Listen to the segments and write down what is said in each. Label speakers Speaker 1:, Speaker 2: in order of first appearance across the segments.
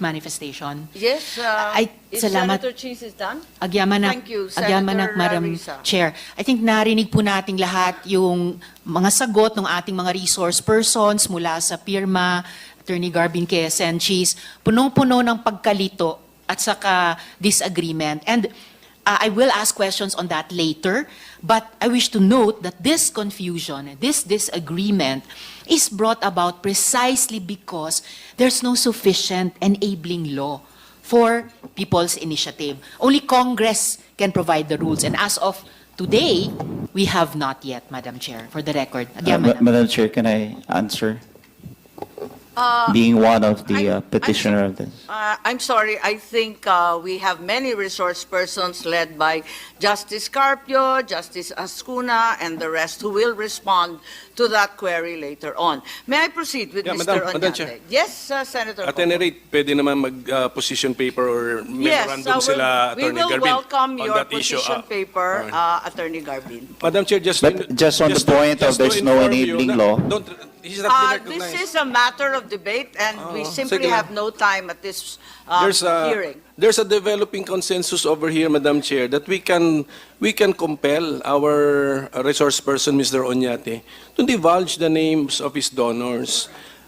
Speaker 1: manifestation.
Speaker 2: Yes, if
Speaker 1: salamat.
Speaker 2: Senator Cheese is done.
Speaker 1: Agyamanak,
Speaker 2: Thank you,
Speaker 1: agyamanak,
Speaker 2: Senator
Speaker 1: Madam
Speaker 2: Risa.
Speaker 1: Chair. I think narinig po nating lahat yung mga sagot ng ating mga resource persons mula sa PIRMA, Attorney Garbin Quezon, Cheese, punong-puno ng pagkalito at saka disagreement. And I will ask questions on that later, but I wish to note that this confusion, this disagreement is brought about precisely because there's no sufficient enabling law for people's initiative. Only Congress can provide the rules. And as of today, we have not yet, Madam Chair, for the record.
Speaker 3: Madam Chair, can I answer? Being one of the petitioner of this.
Speaker 2: I'm sorry, I think we have many resource persons led by Justice Carpio, Justice Ascuna, and the rest who will respond to that query later on. May I proceed with Mr.
Speaker 4: Madam Chair.
Speaker 2: Oñate? Yes, Senator
Speaker 4: At
Speaker 2: Coco.
Speaker 4: any rate, pwede naman mag-position paper or memorandum sila,
Speaker 2: we
Speaker 4: Attorney
Speaker 2: will
Speaker 4: Garbin,
Speaker 2: welcome
Speaker 4: on
Speaker 2: your
Speaker 4: that issue.
Speaker 2: position paper, Attorney Garbin.
Speaker 4: Madam Chair, just
Speaker 3: But just on the point of there's no enabling law.
Speaker 4: He's not been
Speaker 2: This
Speaker 4: recognized.
Speaker 2: is a matter of debate, and we simply
Speaker 4: sige lang.
Speaker 2: have no time at this hearing.
Speaker 4: There's a developing consensus over here, Madam Chair, that we can compel our resource person, Mr. Oñate, to divulge the names of his donors.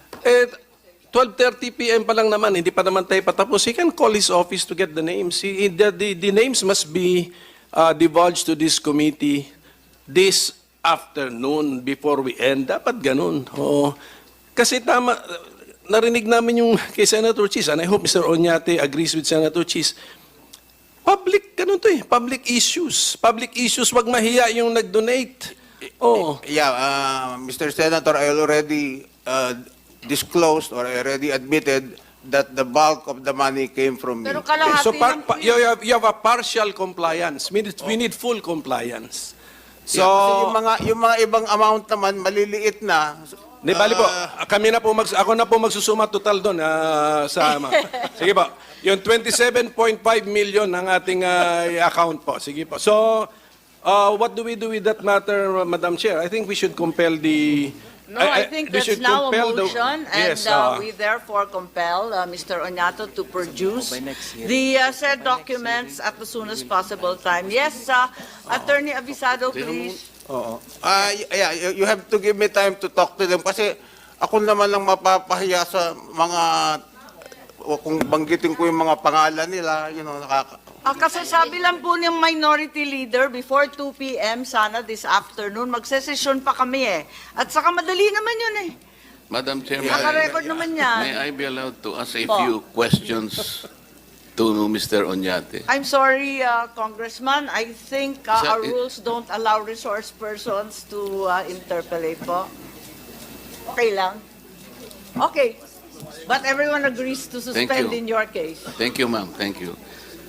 Speaker 4: 12:30 p.m. pa lang naman, hindi pa naman tayo patapos. He can call his office to get the names. The names must be divulged to this committee this afternoon before we end. Dapat ganun. Oh. Kasi tama, narinig namin yung kay Senator Cheese, and I hope Mr. Oñate agrees with Senator Cheese. Public, ganun to eh, public issues. Public issues, wag mahiya yung nag-donate. Oh.
Speaker 5: Yeah, Mr. Senator, I already disclosed or I already admitted that the bulk of the money came from me.
Speaker 2: Pero kalahati
Speaker 4: So
Speaker 2: lang po
Speaker 4: you have a partial compliance. We need full compliance.
Speaker 5: So, yung mga ibang amount naman, maliliit na.
Speaker 4: Di bali po, ako na po magsusuma total doon sa sige po. Yung 27.5 million ng ating account po. Sige po. So, what do we do with that matter, Madam Chair? I think we should compel the
Speaker 2: No, I think
Speaker 4: we
Speaker 2: that's
Speaker 4: should
Speaker 2: now a
Speaker 4: compel
Speaker 2: motion, and
Speaker 4: yes,
Speaker 2: we therefore compel Mr. Oñato to produce the said documents at the soonest possible time. Yes, Attorney Avisado, please.
Speaker 5: Oo. Yeah, you have to give me time to talk to them kasi ako naman lang mapapahiya sa mga kung banggitin ko yung mga pangalan nila,
Speaker 2: Kasasabi lang po ng minority leader before 2 p.m. sana this afternoon. Magsesesyon pa kami eh. At saka madali naman yun eh.
Speaker 6: Madam Chair,
Speaker 2: Naka-record naman yan.
Speaker 6: may I be allowed to ask a few questions to Mr. Oñate?
Speaker 2: I'm sorry, Congressman. I think our rules don't allow resource persons to interpolate po. Okay lang? Okay. But everyone agrees to suspend
Speaker 6: you.
Speaker 2: in your case.
Speaker 6: Thank you, ma'am. Thank you.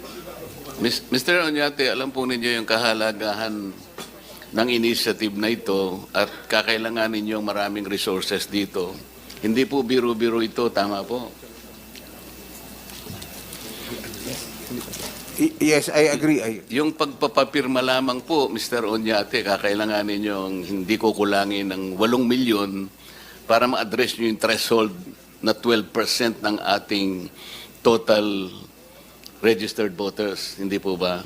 Speaker 6: Mr. Oñate, alam po ninyo yung kahalagahan ng initiative na ito at kakailanganin niyo maraming resources dito. Hindi po biro-biro ito, tama po?
Speaker 5: Yes, I agree.
Speaker 6: Yung pagpapapirma lamang po, Mr. Oñate, kakailanganin niyo hindi kukulangin ng 8 milyon para ma-address niyo yung threshold na 12% ng ating total registered voters, hindi po ba?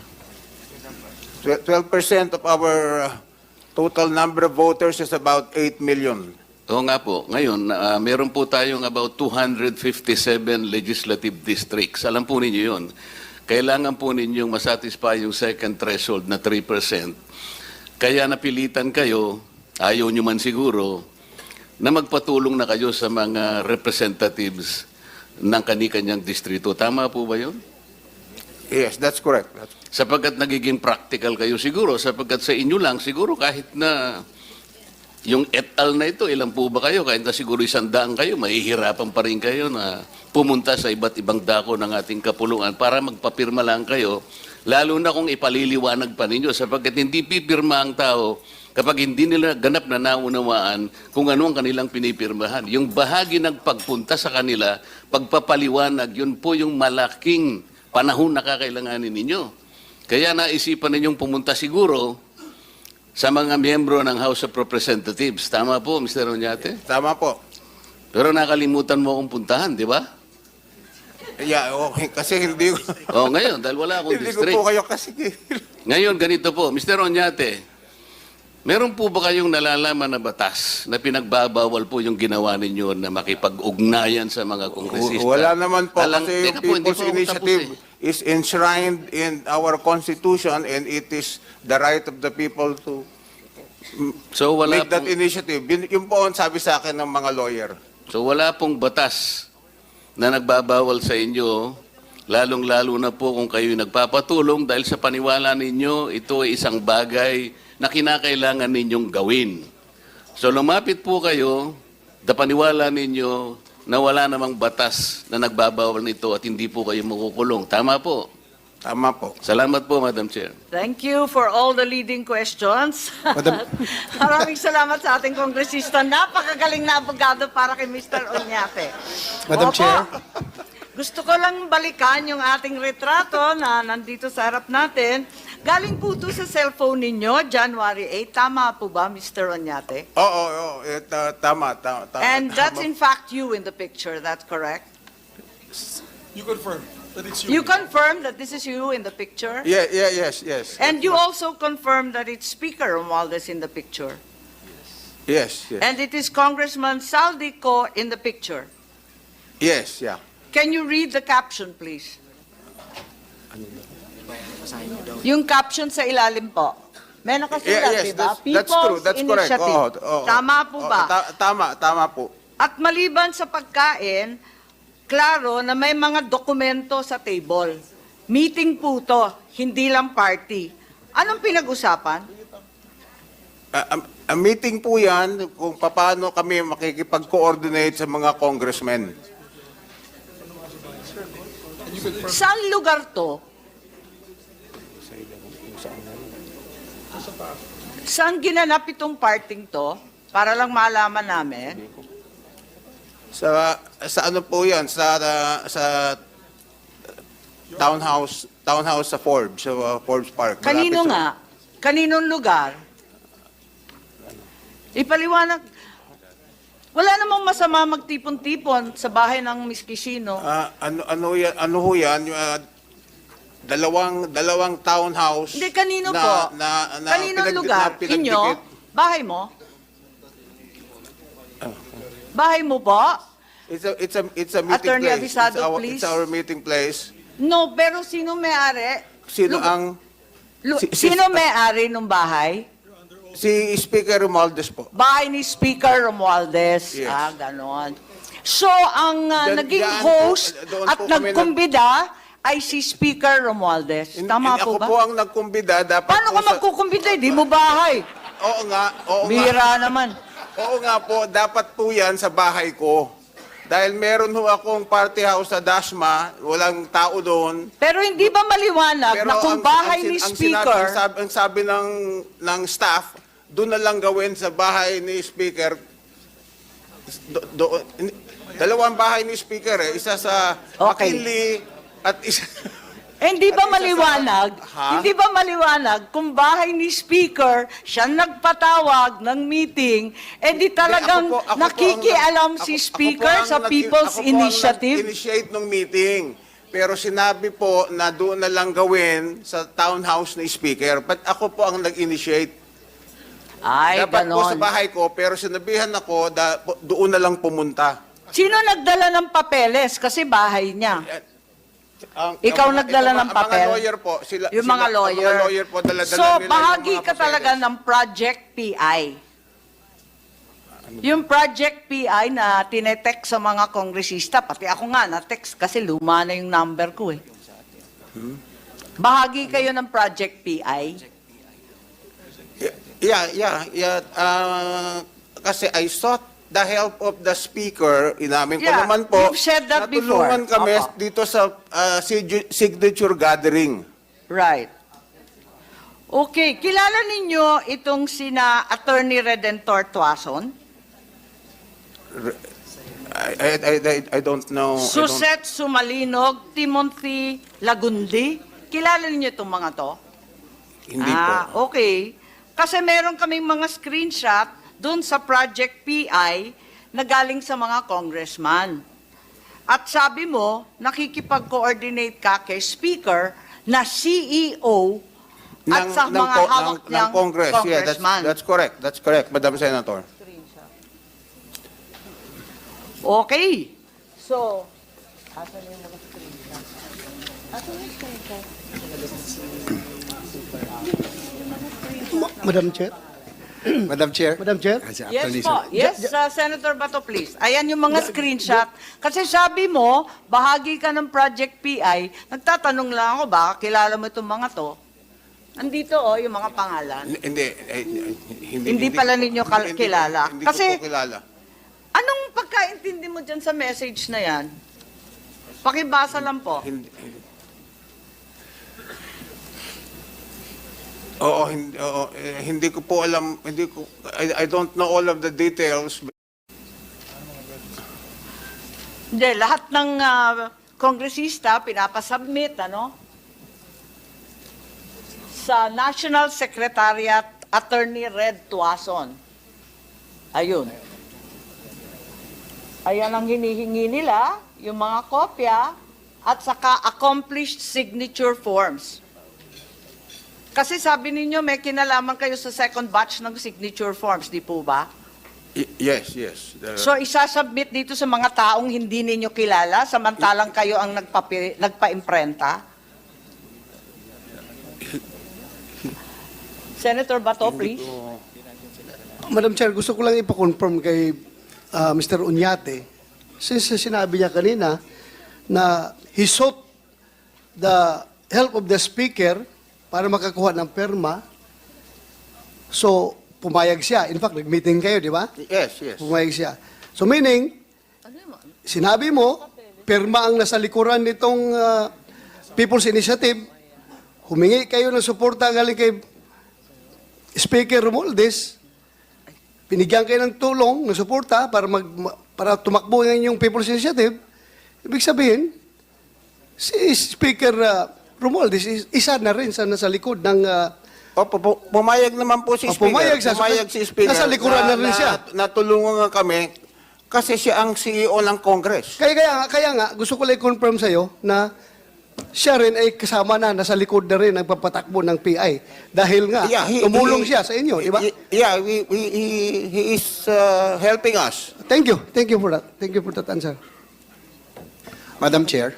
Speaker 5: 12% of our total number of voters is about 8 million.
Speaker 6: Oo nga po. Ngayon, meron po tayong about 257 legislative districts. Alam po ninyo yun. Kailangan po ninyong masatisfy yung second threshold na 3%. Kaya napilitan kayo, ayaw nyo man siguro, na magpatulong na kayo sa mga representatives ng kani-kanyang distrito. Tama po ba yun?
Speaker 5: Yes, that's correct.
Speaker 6: Sapagkat nagiging practical kayo siguro, sapagkat sa inyo lang, siguro kahit na yung et al na ito, ilan po ba kayo? Kahit na siguro 100 kayo, mahihirapan pa rin kayo na pumunta sa iba't ibang dako ng ating kapulungan para magpapirma lang kayo, lalo na kung ipaliliwanag pa ninyo, sapagkat hindi pipirma ang tao kapag hindi nila ganap na naunawaan kung ano ang kanilang pinipirmahan. Yung bahagi ng pagpunta sa kanila, pagpapaliwanag, yun po yung malaking panahon na kakailanganin ninyo. Kaya naisipan ninyong pumunta siguro sa mga miyembro ng House of Representatives. Tama po, Mr. Oñate?
Speaker 5: Tama po.
Speaker 6: Pero nakalimutan mo akong puntahan, di ba?
Speaker 5: Yeah, okay. Kasi hindi ko,
Speaker 6: Ngayon, dahil wala akong
Speaker 5: hindi ko
Speaker 6: district.
Speaker 5: po kayo kasi.
Speaker 6: Ngayon, ganito po, Mr. Oñate, meron po ba kayong nalalaman na batas na pinagbabawal po yung ginawa ninyo na makipag-ugnayan sa mga kongresista?
Speaker 5: Wala naman po kasi
Speaker 6: Teka
Speaker 5: yung
Speaker 6: po, hindi
Speaker 5: People's
Speaker 6: po ako
Speaker 5: Initiative
Speaker 6: tapos
Speaker 5: is enshrined in our Constitution and it is the right of the people to
Speaker 6: So wala
Speaker 5: make that
Speaker 6: pong,
Speaker 5: initiative. Yun po ang sabi sa akin ng mga lawyer.
Speaker 6: so wala pong batas na nagbabawal sa inyo, lalong-lalo na po kung kayo nagpapatulong dahil sa paniwala ninyo, ito ay isang bagay na kinakailangan ninyong gawin. So lumapit po kayo, paniwala ninyo na wala namang batas na nagbabawal nito at hindi po kayo makukulong. Tama po.
Speaker 5: Tama po.
Speaker 6: Salamat po, Madam Chair.
Speaker 2: Thank you for all the leading questions. Maraming salamat sa ating kongresista. Napakagaling na abogado para kay Mr. Oñate.
Speaker 7: Madam
Speaker 2: Opo.
Speaker 7: Chair.
Speaker 2: Gusto ko lang balikan yung ating retrato na nandito sa harap natin. Galing po ito sa cellphone ninyo, January 8. Tama po ba, Mr. Oñate?
Speaker 5: Oo. Tama.
Speaker 2: And that's
Speaker 5: tama.
Speaker 2: in fact you in the picture, that's correct?
Speaker 7: You confirm that it's
Speaker 2: You confirm that this is you in the picture?
Speaker 5: Yes.
Speaker 2: And you also confirm that it's Speaker Romualdez in the picture?
Speaker 5: Yes.
Speaker 2: And it is Congressman Saldico in the picture?
Speaker 5: Yes, yeah.
Speaker 2: Can you read the caption, please? Yung caption sa ilalim po. May nakasulat, di ba?
Speaker 5: That's true. That's correct.
Speaker 2: Initiative.
Speaker 5: Oo.
Speaker 2: Tama po ba?
Speaker 5: Tama po.
Speaker 2: At maliban sa pagkain, klaro na may mga dokumento sa table. Meeting po to, hindi lang party. Anong pinag-usapan?
Speaker 5: Ang meeting po yan kung paano kami makikipag-coordinate sa mga congressmen.
Speaker 2: Saan lugar to? Saan ginanap itong parting to? Para lang malaman namin.
Speaker 5: Sa ano po yan? Sa townhouse sa Forbes, sa Forbes Park.
Speaker 2: Kanino
Speaker 5: Malapit sa-
Speaker 2: nga? Kaninong lugar? Ipaliwanag. Wala namang masama magtipon-tipon sa bahay ng Miss Kishino.
Speaker 5: Ano ho yan? Yung, dalawang townhouse.
Speaker 2: Hindi, kanino
Speaker 5: na,
Speaker 2: po?
Speaker 5: Na
Speaker 2: Kaninong lugar? Inyo? Bahay mo? Bahay mo po?
Speaker 5: It's a meeting
Speaker 2: Attorney
Speaker 5: place.
Speaker 2: Avisado, please.
Speaker 5: It's our meeting place.
Speaker 2: No, pero sino may-ari?
Speaker 5: Sino
Speaker 2: Lu-
Speaker 5: ang
Speaker 2: Sino may-ari ng bahay?
Speaker 5: si Speaker Romualdez po?
Speaker 2: Bahay ni Speaker Romualdez.
Speaker 5: Yes.
Speaker 2: Ganon. So, ang naging
Speaker 5: Diyan
Speaker 2: host
Speaker 5: po, doon
Speaker 2: at
Speaker 5: po kami
Speaker 2: nagkumbida ay si Speaker Romualdez. Tama po
Speaker 5: Ako
Speaker 2: ba?
Speaker 5: po ang nagkumbida. Dapat
Speaker 2: Paano
Speaker 5: po
Speaker 2: ka magkukumbida? Di mo bahay.
Speaker 5: Oo nga.
Speaker 2: Bira naman.
Speaker 5: Oo nga po, dapat po yan sa bahay ko. Dahil meron ho akong party house sa Dasma, walang tao doon.
Speaker 2: Pero hindi ba maliwanag na kung bahay ni Speaker,
Speaker 5: ang sabi ng staff, doon na lang gawin sa bahay ni Speaker. Dalawang bahay ni Speaker isa sa
Speaker 2: Okay.
Speaker 5: McKinley at isa...
Speaker 2: hindi ba
Speaker 5: At isa sa-
Speaker 2: maliwanag?
Speaker 5: Ha?
Speaker 2: Hindi ba maliwanag kung bahay ni Speaker siya nagpatawag ng meeting, di talagang
Speaker 5: Ako po ang
Speaker 2: nakikialam si
Speaker 5: ako po
Speaker 2: Speaker
Speaker 5: ang
Speaker 2: sa People's
Speaker 5: ako po ang
Speaker 2: Initiative?
Speaker 5: nag-initiate ng meeting. Pero sinabi po na doon na lang gawin sa townhouse ni Speaker. But ako po ang nag-initiate.
Speaker 2: Ay,
Speaker 5: Dapat po sa
Speaker 2: ganon.
Speaker 5: bahay ko, pero sinabihan ako, doon na lang pumunta.
Speaker 2: Sino nagdala ng papeles? Kasi bahay niya. Ikaw
Speaker 5: Ang
Speaker 2: nagdala ng
Speaker 5: Ang
Speaker 2: papel?
Speaker 5: mga lawyer po.
Speaker 2: Yung mga lawyer.
Speaker 5: Ang mga lawyer po, dala-dala
Speaker 2: So,
Speaker 5: nila yung
Speaker 2: bahagi
Speaker 5: mga
Speaker 2: ka talaga
Speaker 5: papeles.
Speaker 2: ng Project PI. Yung Project PI na tinetext sa mga kongresista, pati ako nga na-text kasi luma na yung number ko eh. Bahagi kayo ng Project PI.
Speaker 5: Yeah. Kasi I sought the help of the speaker. Inamin ko
Speaker 2: Yeah,
Speaker 5: naman po.
Speaker 2: you've said that before.
Speaker 5: Natulungan kami
Speaker 2: Opo.
Speaker 5: dito sa signature gathering.
Speaker 2: Right. Okay, kilala ninyo itong sina Attorney Redentor Tuason?
Speaker 5: I don't know.
Speaker 2: Suset Sumalinog, Timothy Lagundi. Kilala niyo itong mga to?
Speaker 5: Hindi po.
Speaker 2: Okay. Kasi meron kaming mga screenshot doon sa Project PI na galing sa mga congressman. At sabi mo, nakikipag-coordinate ka kay Speaker na CEO at sa mga hawak
Speaker 5: ng
Speaker 2: niyang
Speaker 5: Congress. Yeah,
Speaker 2: congressman.
Speaker 5: that's correct. That's correct, Madam Senator.
Speaker 2: Okay. So,
Speaker 8: Madam Chair?
Speaker 7: Madam Chair.
Speaker 8: Madam Chair?
Speaker 2: yes po. Yes, Senator Bato, please. Ayan yung mga screenshot. Kasi sabi mo, bahagi ka ng Project PI. Nagtatanong lang ako, baka kilala mo itong mga to. Andito yung mga pangalan. Hindi pala ninyo kilala.
Speaker 5: Hindi
Speaker 2: Kasi,
Speaker 5: ko po kilala.
Speaker 2: anong pagkaintindi mo dyan sa message na yan? Pakibasa lang po.
Speaker 5: Hindi ko po alam, I don't know all of the details.
Speaker 2: Hindi, lahat ng kongresista pinapasubmit, sa National Secretariat Attorney Red Tuason. Ayun. Ayan ang hinihingi nila, yung mga kopya, at saka accomplished signature forms. Kasi sabi ninyo, may kinalaman kayo sa second batch ng signature forms, di po ba?
Speaker 5: Yes.
Speaker 2: So isasubmit dito sa mga taong hindi ninyo kilala, samantalang kayo ang nagpa-imprenta? Senator Bato, please.
Speaker 8: Madam Chair, gusto ko lang ipa-confirm kay Mr. Uñate, since sinabi niya kanina na he sought the help of the Speaker para makakuha ng perma, so pumayag siya. In fact, nag-meeting kayo, di ba?
Speaker 5: Yes.
Speaker 8: Pumayag siya. So meaning, sinabi mo, perma ang nasa likuran nitong People's Initiative, humingi kayo ng suporta galing kay Speaker Romualdez, pinigyan kayo ng tulong, ng suporta para tumakbo ng inyong People's Initiative. Ibig sabihin, si Speaker Romualdez isa na rin sa nasa likod ng
Speaker 5: Pumayag naman po si Speaker.
Speaker 8: pumayag siya.
Speaker 5: Pumayag si Speaker.
Speaker 8: Nasa likuran na rin siya.
Speaker 5: Natulungan nga kami kasi siya ang CEO ng Congress.
Speaker 8: Kaya nga, gusto ko lang i-confirm sa'yo na siya rin ay kasama na, nasa likod na rin ang papatakbo ng PI. Dahil nga, tumulong siya sa inyo, di ba?
Speaker 5: Yeah, he is helping us.
Speaker 8: Thank you. Thank you for that. Thank you for that answer.
Speaker 7: Madam Chair.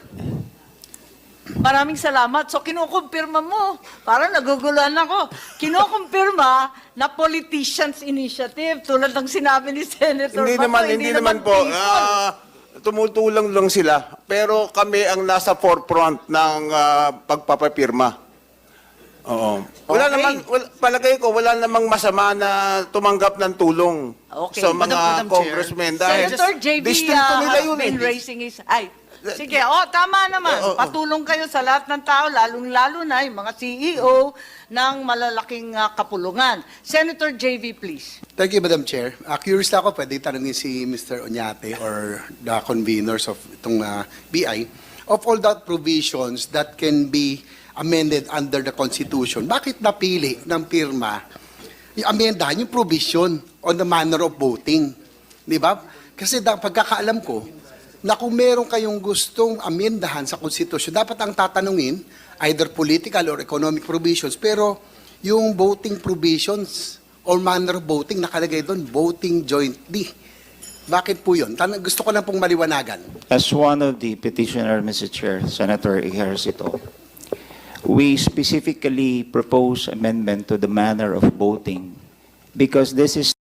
Speaker 2: Maraming salamat. So kinukumpirma mo. Parang naguguluhan ako. Kinukumpirma na politicians initiative tulad ng sinabi ni Senator Bato.
Speaker 5: Hindi naman po.
Speaker 2: people.
Speaker 5: Tumutulong lang sila. Pero kami ang nasa forefront ng pagpapapirma. Oo. Palagay ko, wala namang masama na tumanggap ng tulong
Speaker 2: Okay.
Speaker 5: sa mga
Speaker 1: Madam Chair.
Speaker 5: congressmen. Dahil
Speaker 2: Senator JB
Speaker 5: distrito nila
Speaker 2: has
Speaker 5: yun
Speaker 2: been
Speaker 5: eh.
Speaker 2: raising his... Sige, tama naman. Patulong kayo sa lahat ng tao, lalong-lalo na yung mga CEO ng malalaking kapulungan. Senator JV, please.
Speaker 7: Thank you, Madam Chair. Curious lang ako, pwede tanongin si Mr. Oñate or the conveners of itong BI. Of all the provisions that can be amended under the Constitution, bakit napili ng pirma yung amendahan yung provision on the manner of voting? Di ba? Kasi pagkakaalam ko, na kung meron kayong gustong amendahan sa Constitution, dapat ang tatanungin, either political or economic provisions, pero yung voting provisions or manner of voting, nakalagay doon, voting jointly. Bakit po yun? Gusto ko lang pong maliwanagan.
Speaker 3: As one of the petitioner, Mr. Chair, Senator Ejercito, we specifically propose amendment to the manner of voting because this is